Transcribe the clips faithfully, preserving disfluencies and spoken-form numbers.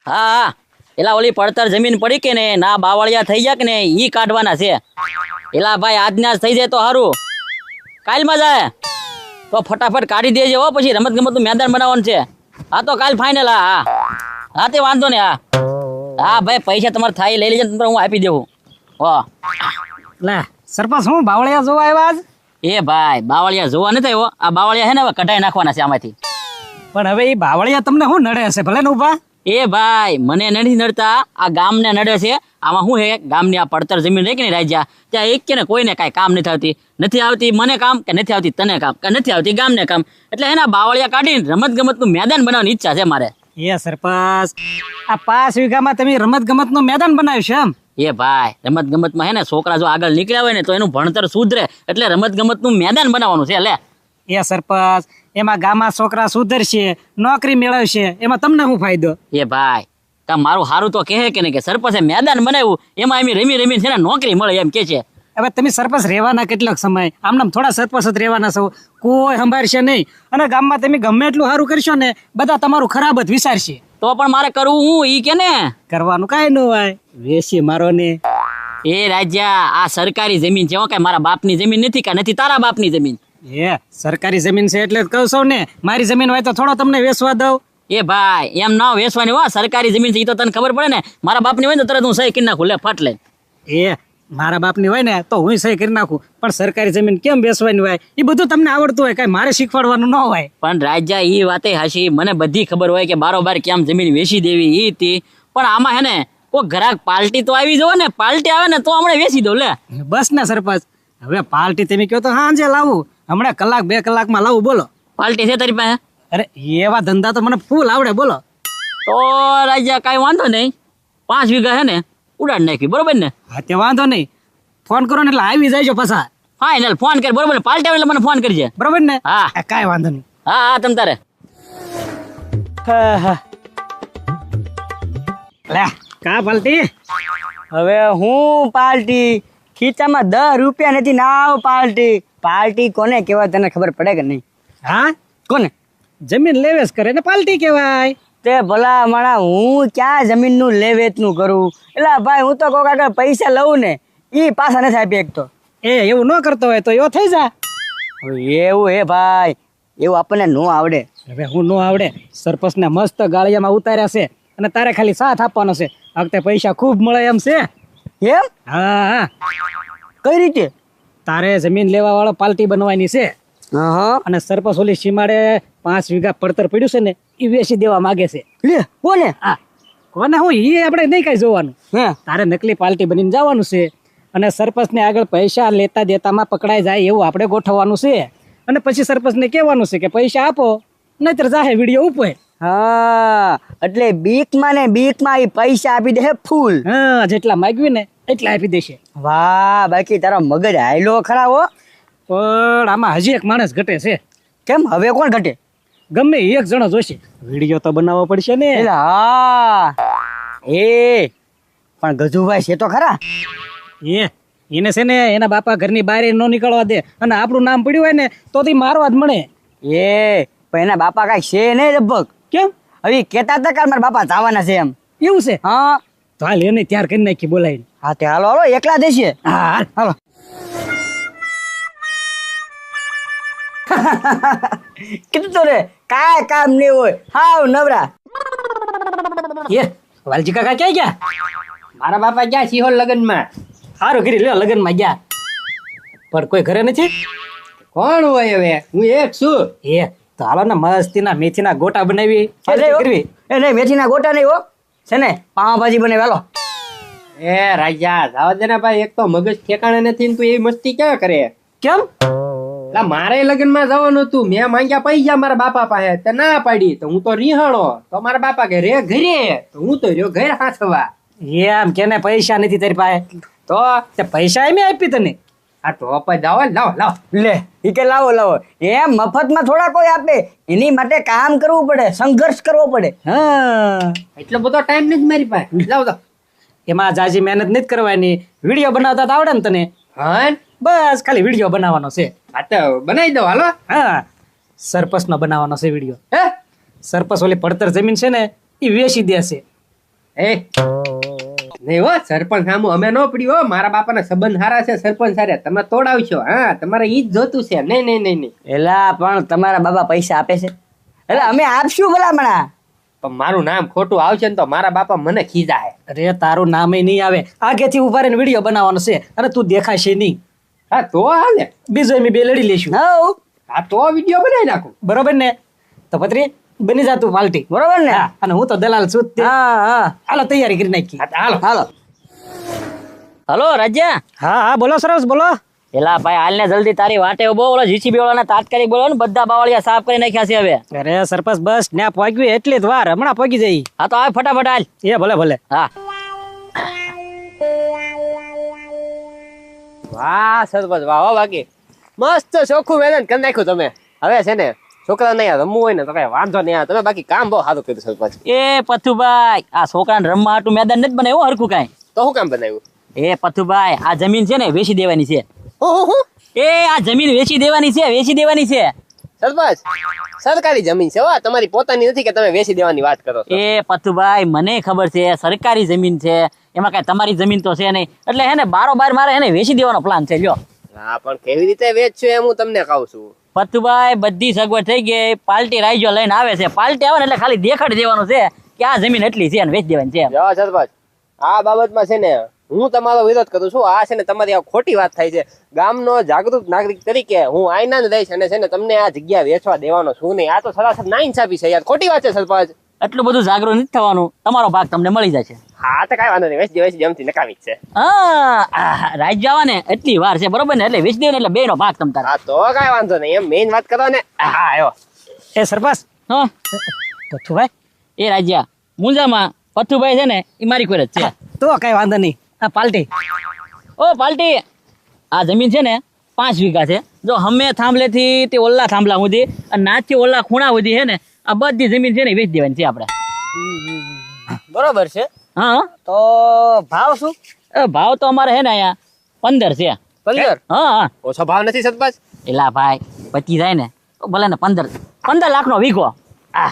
હા હા એલા ઓલી પડતર જમીન પડી કે ને ના બાવળિયા થઈ ગયા કે ને ઈ કાઢવાના છે. એલા ભાઈ આજના જ થઈ જાય તો સારું. કાલમાં જાય તો ફટાફટ કાઢી દેજે હો, પછી રમત ગમત નું મેદાન બનાવવાનું છે. હા તો કાલ ફાઇનલ. હા હા હા તે વાંધો ને. હા હા ભાઈ પૈસા તમારે થાય લઈ લેજે, હું આપી દેવું. હો લે સરપંચ હું બાવળિયા જોવા આવ્યા આજ? એ ભાઈ બાવળિયા જોવા નથી આવ્યો. આ બાવળિયા છે ને હવે કઢાઈ નાખવાના છે આમાંથી. પણ હવે એ બાવળિયા તમને શું નડે હશે? ભલે ને ઉભા. એ ભાઈ મને નથી નડતા, આ ગામને નડે છે. આમાં શું છે, ગામની આ પડતર જમીન રહી કે નહીં રાજ્યા, ત્યાં એક કે ને કોઈને કાંઈ કામ નથી આવતી. નથી આવતી મને કામ કે નથી આવતી તને કામ કે નથી આવતી ગામને કામ, એટલે એના બાવળિયા કાઢીને રમત ગમતનું મેદાન બનાવવાની ઈચ્છા છે મારે. એ સરપંચ આ પાંચ વીઘામાં તમે રમત ગમત નું મેદાન બનાવ્યું છે એમ? એ ભાઈ રમત ગમતમાં હે ને છોકરા જો આગળ નીકળ્યા હોય ને તો એનું ભણતર સુધરે, એટલે રમત ગમતનું મેદાન બનાવવાનું છે. લે એ સરપંચ એમાં ગામમાં છોકરા સુધરશે, નોકરી મેળવશે, એમાં તમને શું ફાયદો? એ ભાઈ કા મારું સારું તો કહે કે નહીં કે સરપંચે મેદાન બનાવ્યું એમાં એમ રમી રમીને છે ને નોકરી મળે એમ કે છે. હવે તમે સરપંચ રહેવાના કેટલોક સમય? આમનામ થોડા સરપંચ જ રહેવાના છો, કોઈ સંભાળશે નહીં. અને ગામમાં તમે ગમે એટલું સારું કરશો ને બધા તમારું ખરાબ જ વિચારશે. તો પણ મારે કરવું હું ઈ કે ને? કરવાનું કાંઈ ન હોય, વેસી મારો ને. એ રાજ્યા આ સરકારી જમીન છે, કે મારા બાપની જમીન નથી કે નથી તારા બાપની જમીન. એ સરકારી જમીન છે એટલે જ કહું છું ને, મારી જમીન હોય તો થોડો તમને વેચવા દઉં. એ ભાઈ એમ ના વેચવાની હો, સરકારી જમીન છે એ તો તને ખબર પડે ને. મારા બાપની હોય ને તરત હું સહી કરી નાખું, લે ફાટ લે. એ મારા બાપની હોય ને તો હું સહી કરી નાખું, પણ સરકારી જમીન કેમ બેસવાની હોય એ બધું તમને આવડતું હોય, કઈ મારે શીખવાડવાનું ન હોય. પણ રાજ્યા ઈ વાતે હાશી, મને બધી ખબર હોય કે બારોબાર કેમ જમીન વેચી દેવી ઈ હતી, પણ આમાં હે ને કોઈ ગ્રાહક પાર્ટી તો આવી જોવે ને, પાર્ટી આવે ને તો હમણાં વેચી દઉં. લે બસ ને સરપંચ, હવે પાર્ટી તમે કહો તો હાંજે લાવું, હમણાં કલાક બે કલાકમાં લાવું. બોલો પાર્ટી છે તારી પાસે? અરે એવા ધંધા તો મને ફૂલ આવડે. બોલો તો રાજ્યા કાંઈ વાંધો નહીં, પાંચ વીઘા હે ને ઉડાડ નાખી, બરોબર ને? હા તે વાંધો નહીં, ફોન કરો ને એટલે આવી જાય પાછા. ફાઇનલ ફોન કર, બરોબર ને? પાર્ટી આવે એટલે મને ફોન કરજે, બરોબર ને? હા કાંઈ વાંધો નહીં. હા હા તમ તારે. હા હા લે કા પાર્ટી? હવે હું પાર્ટી? ખીચામાં દસ રૂપિયા નથી, નાવ પાર્ટી. પાર્ટી કોને કહેવાય તને ખબર પડે કે નહીં? હા કોને? જમીન લેવેસ કરે ને પાર્ટી કહેવાય. તે ભલા માણા હું ક્યાં જમીનનું લે વેચનું કરું? એટલે ભાઈ હું તો કોક આગળ પૈસા લઉં ને એ પાછા નથી આપી એકતો. એ એવું ન કરતો હોય તો એવો થઈ જા. હવે એવું હે ભાઈ, એવું આપણને ન આવડે. હવે હું ન આવડે, સરપંચને મસ્ત ગાળિયામાં ઉતાર્યા છે અને તારે ખાલી સાથ આપવાનો છે. આ વખતે પૈસા ખૂબ મળે એમ છે. એમ? હા હા. કઈ રીતે? તારે જમીન લેવા વાળો પાર્ટી બનવાની છે હા. અને સરપંચ ઓલી સીમાડે પાંચ વીઘા પડતર પડ્યું છે ને એ વેચી દેવા માંગે છે. લે કોને? હા કોને? હું એ આપણે નહીં કઈ જોવાનું. હે તારે નકલી પાર્ટી બનીને જવાનું છે અને સરપંચને આગળ પૈસા લેતા દેતામાં પકડાઈ જાય એવું આપણે ગોઠવવાનું છે. અને પછી સરપંચને કહેવાનું છે કે પૈસા આપો, નહીતર જાહે વિડીયો ઉપર. હા એટલે બીકમાં ને બીકમાં એ પૈસા આપી દે ફૂલ. હા જેટલા માગ્યું ને એટલા આપી દેશે. વાહ, બાકી તારો મગજ હાયલો ખરા હો. પણ આમાં હજી એક માણસ ઘટે છે. કેમ? હવે કોણ ઘટે? ગમે એક જણો જોશે. વિડીયો તો બનાવવો પડશે ને. એટલે હા એ પણ ગજુભાઈ છે તો ખરા. એ એને છે ને એના બાપા ઘરની બહાર ન નીકળવા દે અને આપણું નામ પડ્યું હોય ને તો તે મારવા જ મળે. એ પણ એના બાપા કઈ છે નહીં લગભગ. કેમ? હવે કેતા હતા કે મારા બાપા જવાના છે એમ. એવું છે? હા તો હાલ એને ત્યાર કરી નાખી બોલાવીને. હા તે હાલો હાલો એકલા દેશે. હા હાલ, હાલો. કીધું તો રે કાંઈ કામ નહીં હોય, હાવ નવરા. એ વાલજી કાકા ક્યાં ગયા? મારા બાપા ગયા સિહોર લગ્નમાં. સારું કરી લ્યો, લગ્નમાં ગયા. પણ કોઈ ઘરે નથી? કોણ હોય હવે? હું એક છું. એ તો હાલો ને મસ્તીના મેથીના ગોટા બનાવી કરવી. એ નહીં મેથીના ગોટા નહીં હો, છે ને પાવભાજી બને વેલો. એ રાજા જાવા દે ને ભાઈ, એક તો મગજ ઠેકાણે નથી ને તું એવી મસ્તી ક્યાં કરે? કેમ? એટલે મારે લગ્નમાં જવાનું હતું, મેં માંગ્યા પૈસા મારા બાપા પાસે, તે ના પાડી તો હું તો રીહાણો. તો મારા બાપા કે રે ઘરે, તો હું તો રહ્યો ઘરે હાથવા. એમ કેને પૈસા નથી તારી પાસે? તો તે પૈસા એમ આપી તને? આ ટોપ જ લાવો લાવો લાવો. લે ઈ કે લાવો લાવો, એમ મફતમાં થોડા કોઈ આપે, એની માટે કામ કરવું પડે, સંઘર્ષ કરવો પડે. હા એટલો બધો ટાઈમ નથી મારી પાસે. લાવો તો એમાં જાજી મહેનત નથી કરવાની. વિડીયો બનાવતા તો આવડે ને તને? હા બસ ખાલી વિડીયો બનાવવાનો છે. હા તો બનાવી દો હાલો. હા સરપંચ નો બનાવવાનો છે વિડીયો. હે સરપંચ ઓલી પડતર જમીન છે ને એ વેચી દેશે એ નહીં હો સરપંચ સામું અમે ન પડ્યું હો. મારા બાપાના સંબંધ સારા છે સરપંચ સારા, તમે તોડાવશો. હા તમારે ઈ જ જોતું છે. નહીં નહીં નહીં નહીં એલા પણ તમારા બાબા પૈસા આપે છે એટલે અમે આપશું ભલામણા. પણ મારું નામ ખોટું આવશે ને તો મારા બાપા મને ખીજાય. અરે તારું નામે નહીં આવે, આગેથી ઉભા રહીને વિડીયો બનાવવાનો છે અને તું દેખાશે નહીં. હા તો હાલે. બીજો અમે બે લડી લેશું. હઉ હા તો વિડીયો બનાવી નાખું. બરોબર ને? તો પત્રી બની જા તું પાલટી. બરોબર ને? હા, અને હું તો દલાલ છું જ તે. હા હા હાલો તૈયારી કરી નાખી. હા તો હાલો. હાલો. હલો રાજ્યા. હા હા બોલો સરસ બોલો. એલા ભાઈ હાલ ને જલ્દી તારી વાટે ઉભો. ઓલો જીસીબી વાળાને તાત્કાલિક બોલો ને, બધા બાવળિયા સાફ કરી નાખ્યા છે હવે. અરે સરપંચ બસ ને પહોંચ્યું એટલી જ વાર, હમણાં પહોંચી જઈ. હા તો આવે ફટાફટ હાલ. એ ભલે ભલે. હા વાહ સરપંચ વાહ હો. બાકી મસ્ત ચોખ્ખું મેદાન કરી નાખ્યું તમે. હવે છે ને છોકરા નહીં રમવું હોય ને તો કઈ વાંધો નહીં આવે. તમે બાકી કામ બહુ સારું કર્યું સરપંચ. એ પથુભાઈ, આ છોકરાને રમવા હાટું મેદાન નથી બનાવ્યું હરખું કાંઈ. તો શું કામ બનાવ્યું? એ પથુભાઈ, આ જમીન છે ને વેચી દેવાની છે. હું હું હું એ આ જમીન વેચી દેવાની છે, વેચી દેવાની છે. સરપંચ સરકારી જમીન છે હો, તમારી પોતાની નથી કે તમે વેચી દેવાની વાત કરો છો. એ પથુભાઈ મને ખબર છે સરકારી જમીન છે, એમાં કાંઈ તમારી જમીન તો છે નહીં. એટલે હે ને બારોબાર મારે એને વેચી દેવાનો પ્લાન છે. લ્યો હા પણ કેવી રીતે વેચશો એમ હું તમને કહું છું. પથુભાઈ બધી સગવડ થઈ ગઈ. પાર્ટી રાઈજો લઈને આવે છે. પાર્ટી આવે ને એટલે ખાલી દેખાડી દેવાનું છે કે આ જમીન એટલી છે અને વેચી દેવાની છે. જો સરપંચ આ બાબતમાં છે ને હું તમારો વિરોધ કરું છું. આ છે ને તમારી આ ખોટી વાત થાય છે. ગામનો જાગૃત નાગરિક તરીકે હું આઈના જ રહીશ અને છે ને તમને આ જગ્યા વેચવા દેવાનો છું નહીં. આ તો સરાસર નાઇન્સાફી છે યાર, ખોટી વાત છે સરપંચ. એટલું બધું જાગૃત નથી થવાનું. તમારો ભાગ તમને મળી જશે. હા તો કઈ વાંધો નહીં, વેચી દે વેચી દે, એમથી નકામી જ છે. હા રાઈજ જવા ને એટલી વાર છે બરોબર ને, એટલે વેચી દે ને એટલે બે નો ભાગ તમ તારે. હા તો કઈ વાંધો નહીં, એમ મેઇન વાત કરો ને. હા આવ્યો. એ સરપંચ હા પથુભાઈ એ રાજ્યા મુંજામાં પથુભાઈ છે ને એ મારી કોઈ જ છે. તો કઈ વાંધો નહીં. આ પાલટી ઓ પાલટી, આ જમીન છે ને પાંચ વીઘા છે. જો હમે થાંભલેથી તે ઓલ્લા થાંભલા સુધી અને નાચથી ઓલ્લા ખૂણા સુધી છે ને આ બધી જમીન છે ને વેચી દેવાની છે આપણે. બરોબર છે. હા તો ભાવ શું? એ ભાવ તો અમારે છે ને અહીંયા પંદર છે. પંદર? હા હા ઓછો ભાવ નથી સરપંચ? એલા ભાઈ પચી જાય ને તો ભલે ને પંદર પંદર લાખ નો વીઘો. આ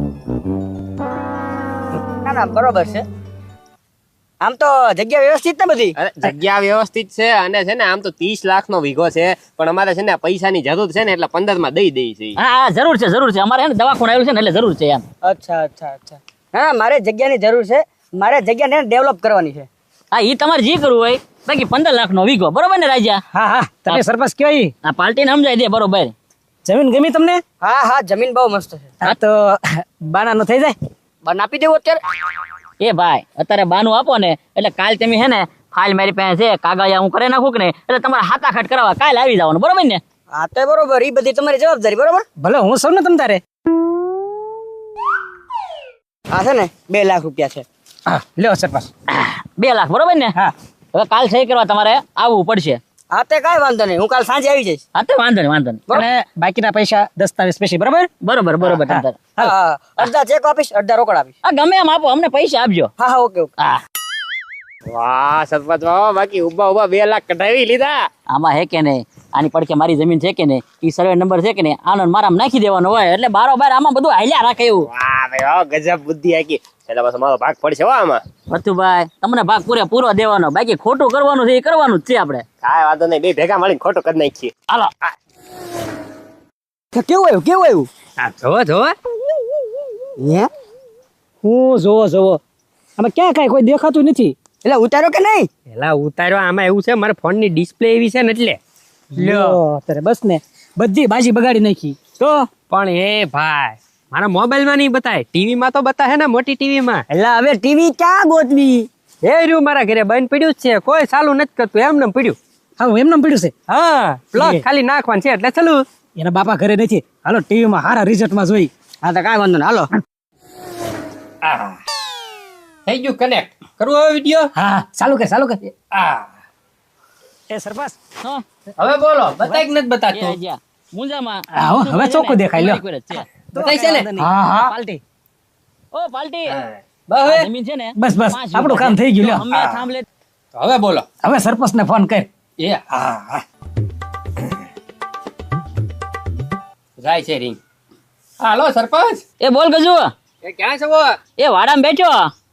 ના ના બરોબર છે. આમ તો જગ્યા વ્યવસ્થિત ને બધી? અરે જગ્યા વ્યવસ્થિત છે અને છે ને આમ તો ત્રીસ લાખ નો વીઘો છે, પણ અમારે છે ને પૈસાની જરૂર છે ને એટલે પંદર માં દઈ દઈ છે. હા હા જરૂર છે જરૂર છે. અમારે છે ને દવાખાનું આવ્યું છે ને એટલે જરૂર છે એમ. અચ્છા અચ્છા અચ્છા. હા મારે જગ્યાની જરૂર છે. મારે જગ્યાને ડેવલપ કરવાની છે. હા એ તમારે જે કરવું હોય. બાકી પંદર લાખ નો વીઘો બરોબર ને રાજા? હા હા તમે સરપંચ કહેવાય. આ પાર્ટીને સમજાય દે બરોબર. જમીન ગમી તમને? હા હા જમીન બહુ મસ્ત છે. હા તો બાનાનું થઈ જાય. બન આપી દેવું અત્યારે? એ ભાઈ અત્યારે બાનું આપો ને એટલે કાલ તમે હે ને ફાઇલ મારી પાસે છે, કાગળિયા હું કરી નાખું કે નહીં એટલે તમારે હાથાખાટ કરાવવા કાલ આવી જવાનું બરોબર ને? હા તો બરોબર, એ બધી તમારી જવાબદારી. બરોબર. ભલે હું સૌ ને તમ તારે. હા છે ને બે લાખ રૂપિયા છે. હા લ્યો સરપંચ. બે લાખ બરોબર ને? હા હવે કાલ સહી કરવા તમારે આવવું પડશે. હા તે કાંઈ વાંધો નહીં, હું કાલ સાંજે આવી જઈશ. હા તો વાંધો નહીં વાંધો નહીં. અને બાકીના પૈસા દસ્તાવેજ પછી બરાબર. બરોબર બરોબર તમ તારે. હા અડધા ચેક આપીશ, અડધા રોકડ આપીશ. આ ગમે એમ આપો, અમને પૈસા આપજો. હા હા ઓકે ઓકે. હા વાહ સરપંચ વાહ. બાકી ઉભા ઉભા બે લાખ કઢાવી લીધા. આમાં હે કે નહીં, આની પડખે મારી જમીન છે કે નહીં, ઈ સર્વે નંબર છે કે નહીં, આનો મારા નાખી દેવાનો હોય એટલે બારોબાર આમાં બધું હાલ્યા રાખે એવું. વાહ ભાઈ વાહ, ગજબ બુદ્ધિ આકી. એટલે બસ મારો ભાગ પડશે હો આમાં. ભથ્થુભાઈ તમને ભાગ પૂરે પૂરો દેવાનો, બાકી ખોટું કરવાનું છે એ કરવાનું જ છે આપણે. કાંઈ વાંધો નહીં, બે ભેગા મળીને ખોટું કરી નાખીએ. હાલો. કેવું આવ્યું કેવું આવ્યું? હા જોવો જોવો. હે હું જોવો જોવો આમાં ક્યાં કાંઈ કોઈ દેખાતું નથી. એટલે ઉતાર્યો કે નહીં? એલા ઉતાર્યો. આમાં એવું છે મારા ફોન ની ડિસ્પ્લે એવી છે ને એટલે. લ્યો તારે બસ ને બધી બાજી બગાડી નાખી. તો પણ એ ભાઈ મારા મોબાઈલ માં નહીં બતાય, ટીવી માં તો બતાવે ને, મોટી ટીવી માં. એટલે હવે ટીવી ક્યાં ગોતવી? એ રહ્યું મારા ઘરે બંધ પડ્યું જ છે, કોઈ ચાલુ નથી કરતું, એમને એમ પડ્યું. હા એમને પડ્યું છે. હા પ્લગ એ. ખાલી નાખવાનું છે એટલે ચાલુ. એના બાપા ઘરે નથી. હાલો ટીવીમાં હારા રિઝલ્ટમાં જોઈ. હા તો કાંઈ વાંધો નહીં, હાલો. આ થઈ ગયું કનેક્ટ. કરવું હવે વિડિયો? હા ચાલુ કર ચાલુ કર. આ એ સરપંચ હા હવે બોલો, બતાય કે નથી એ બતાતું? આજા. મુંજામાં હા, હો, હવે ચોખ્ખું દેખાય, લ્યો. મારી કોઈ જ છે. બતાય છે ને? વાંધો નહીં. હા, હા. પાલટી. ઓ પાલટી, બસ આ હવે જમીન છે ને બસ, બસ, પાંચ આપણું વીઘા કામ છે. થઈ ગયું, જો લ્યો. અમે થાંભલે હવે બોલો. હવે સરપંચ ને ફોન કર. એ હા હા જાય છે રિંગ. હાલો સરપંચ. એ બોલ ગજુ, એ ક્યાં છો? એ વાડામાં બેઠો.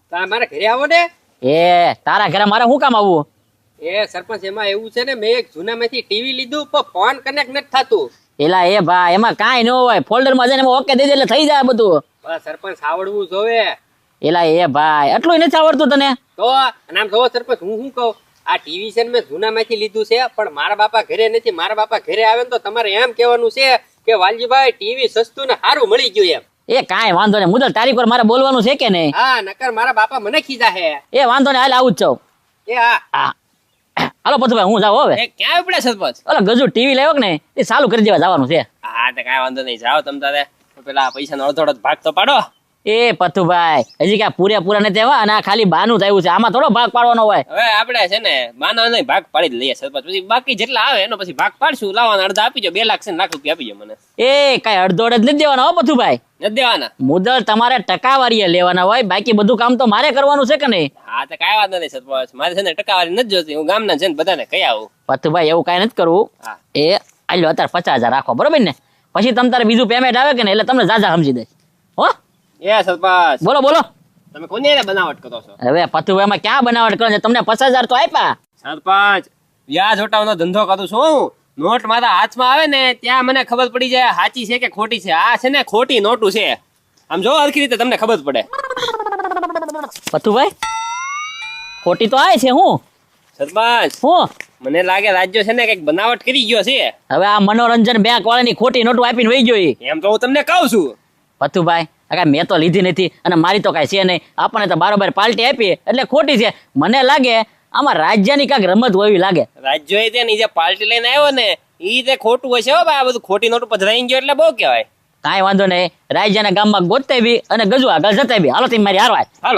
તમે મારા ઘરે આવો ને. એ તારા ઘરે મારે શું કામ આવવું? એ સરપંચ એમાં એવું છે ને, મેં એક જૂનામાંથી ટીવી લીધું પણ ફોન કનેક્ટ નથી થતું. એલા એ ભાઈ એમાં કાંઈ ન હોય, ફોલ્ડર માં જઈને ઓકે દઈ દે એટલે થઈ જાય બધું. બસ સરપંચ આવડવું જોવે. એલા એ ભાઈ એટલું નથી આવડતું તને? તો અને આમ જોવો સરપંચ, હું શું કહું, આ ટીવી છે ને મેં જૂનામાંથી લીધું છે, પણ મારા બાપા ઘરે નથી. મારા બાપા ઘરે આવે ને તો તમારે એમ કહેવાનું છે કે વાલજીભાઈ ટીવી સસ્તું ને સારું મળી ગયું એમ. એ કાંઈ વાંધો નહીં, મુદલ તારીખ પર મારે બોલવાનું છે કે નહીં? હા, નકર મારા બાપા મને ખીજા હે. એ વાંધો નહીં, હાલ આવું જ છું. એ હા. હા હાલો પથુભાઈ હું જાઉં હવે. એ ક્યાં ઉપડે સરપંચ? ઓલા ગજુ ટીવી લાવ્યો કે ને એ ચાલુ કરી દેવા જવાનું છે. હા તો કાંઈ વાંધો નહીં, જાઓ તમ તારે. પેલા પૈસા નો અડધો અડધો ભાગ તો પાડો. એ પથુભાઈ હજી ક્યાં પૂરેપૂરા નથી આવ્યા અને આ ખાલી બાનું થયું છે, આમાં થોડો ભાગ પાડવાનો હોય. હવે આપણે છે ને માનો નહીં ભાગ પાડી જ લઈએ સરપંચ, પછી બાકી જેટલા આવે એનો પછી ભાગ પાડશું. લાવવાના અડધા આપી દો, બે લાખ છે ને લાખ રૂપિયા આપી દો મને. એ કઈ અડધો અડધ નથી દેવાના હો પથુભાઈ. નથી દેવાના? મુદલ તમારે ટકાવારીએ લેવાના હોય, બાકી બધું કામ તો મારે કરવાનું છે કે નહીં? હા તો કાંઈ વાંધો નહીં સરપંચ, મારે છે ને ટકાવારી નથી જોતી, હું ગામના છે ને બધાને કહી આવું. પથુભાઈ એવું કઈ નથી કરવું. હા. એ આલ્યો અત્યારે પચાસ હજાર રાખો બરોબર ને, પછી તમ તારે બીજું પેમેન્ટ આવે કે ને એટલે તમને જાજા સમજી દઈશ હો. એ સરપંચ બોલો બોલો. તમે કોની હારે બનાવટ કરો છો? હવે પથુભાઈ માં ક્યાં બનાવટ કરો છો? તમને પચાસ હજાર તો આપ્યા. સરપંચ વ્યાજ હટાવનો ધંધો કરું છું હું. નોટ મારા હાથમાં આવે ને ત્યાં મને ખબર પડી જાય સાચી છે કે ખોટી છે. આ છે ને ખોટી નોટું છે, આમ જો હરખી રીતે તમને ખબર પડે. પથુભાઈ ખોટી તો આય છે. હું સરપંચ હું મને લાગે રાજ્યો છે ને કઈક બનાવટ કરી ગયો છે. હવે આ મનોરંજન બેંક વાળાની ખોટી નોટો આપીને વહી ગયો ઈ. એમ તો હું તમને કહું છું. પથુભાઈ આ કાંઈ મેં તો લીધી નથી અને મારી તો કાંઈ છે નહીં, આપણને તો બારોબાર પાર્ટી આપી એટલે ખોટી છે. મને લાગે આમાં રાજ્યની કાંઈક રમત હોવી લાગે. રાજ્યો એ તે જે પાર્ટી લઈને આવ્યો ને ઈ તે ખોટું હશે હો ભાઈ. આ બધું ખોટી નોટ ઉપર રહી ગયો એટલે બહુ કહેવાય. કાંઈ વાંધો નહીં, રાજ્યના ગામમાં ગોતતા બી અને ગજુ આગળ જતા બી. હાલો તમે મારી હારવાય. હાલો.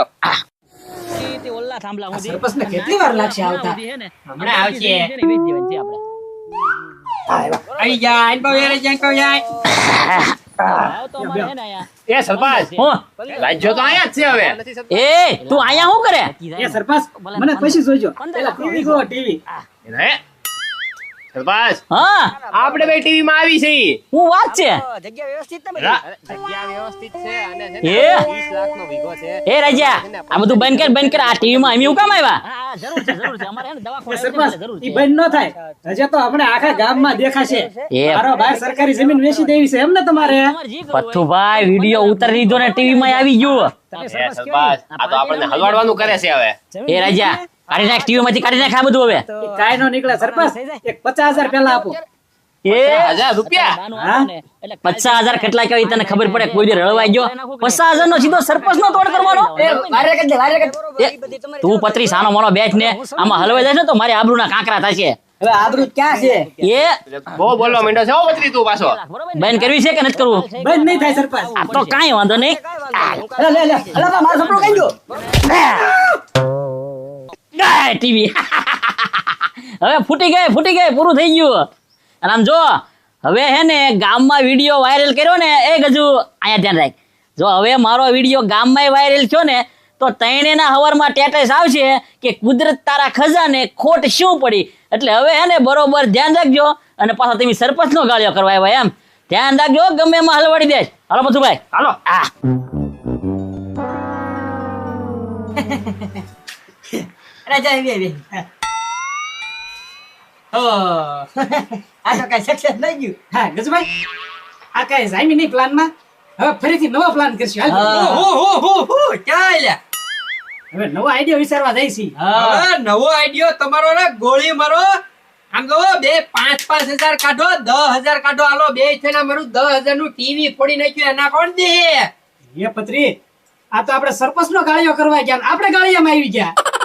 સરપંચને કેટલી વાર લાગશે આવતા? હમણાં આવશે. આપણે આવી જાય, આઈ બહુ યાર, જાય કહો જાય. એ સરપંચ હું રાજ્યો તો આયા જ છે હવે. એ તું અહીંયા શું કરે? એ સરપંચ મને પછી જોજો. પેલા ટીવી ગો ટીવી. હે સરપંચ હા આપણે બે ટીવી માં આવી છે. હું વાત છે. જગ્યા વ્યવસ્થિત ને બધી? રા- જગ્યા વ્યવસ્થિત છે અને છે ને એ વીસ લાખનો વીઘો છે. એ રાજા આ બધું બંધ કર બંધ કર. આ ટીવી માં અમે કામ આવ્યા? એ સરપંચ ઈ બંધ ન થાય. હજે તો આપણે આખા ગામમાં દેખાશે. એ મારો બહાર સરકારી જમીન વેચી દેવી છે એમ ને તમારે? પથ્થુભાઈ વિડીયો ઉતારી લીધો ને ટીવી માં આવી ગયું. એ સરપંચ આ તો આપણને હલવાડવાનું કરે છે હવે. એ રાજા કાઢી નાખ, ટીવી માંથી કાઢી નાખ આ બધું હવે. ઈ કાંઈ નો નીકળે સરપંચ. એક પચાસ હજાર પેલા આપો. એ હજાર રૂપિયા? હા? પચાસ હજાર કેટલા કહેવાય તને ખબર પડે? કોઈ દી રળવાઈ ગયો? પચાસ હજાર નો સીધો સરપંચ નો તોડ કરવાનો? એ વારે કરી દે, વારે કરી દે. એ, તું પત્રી સાનો મોનો બેઠ ને આમાં હલવાઈ જાય ને તો મારી આબરૂના કાંકરા થશે. હવે આબરૂ ક્યાં છે? એ બહુ બોલવા માંડ્યો છે હો બત્રી તું પાછો. બેન કરવી છે કે નથી કરવું? બંધ નહીં થાય સરપંચ. આ તો કાંઈ વાંધો નહીં. લે લે લે, અલા બા, મારો સપનું કઈ ગયો? ગાય ટીવી હવે ફૂટી ગઈ ફૂટી ગઈ પૂરું થઈ ગયું. અને આમ જો હવે હે ને ગામમાં વિડીયો વાયરલ કર્યો ને એ ગજુ અહીંયા ધ્યાન રાખ. જો હવે મારો વિડીયો ગામમાં વાયરલ થયો ને તો તૈણેના હવારમાં ટેટસ આવશે કે કુદરત તારા ખજાને ખોટ શું પડી. એટલે હવે હે ને બરોબર ધ્યાન રાખજો અને પાછા તમે સરપંચ નો ગાળ્યો કરવા આવ્યા એમ ધ્યાન રાખજો, ગમે એમાં હલવાડી દેશ. હાલો પથુભાઈ હાલો. આ રાજા આવી આવી. ઓ આ તો કઈ સક્સેસ નહીં ગયું. હા ગજભાઈ આ કાંઈ જામી નહીં પ્લાનમાં. હવે ફરીથી નવો પ્લાન કરશું. હાલ. હા. હો હો હો હો ક્યાં આલ્યા? હવે નવો આઈડિયા વિચારવા જાય છે. હવે નવો આઈડિયો તમારો ને ગોળી મારો. આમ જો બે પાંચ પાંચ હજાર કાઢો, દસ હજાર કાઢો, હાલો બે છે ને મારું દસ હજાર નું ટીવી ફોડી નાખ્યું, એના કોણ દે? એ પત્રી આ તો આપણે સરપંચ નો ગાળિયો કરવા ગયા ને આપણે ગાળિયામાં આવી ગયા.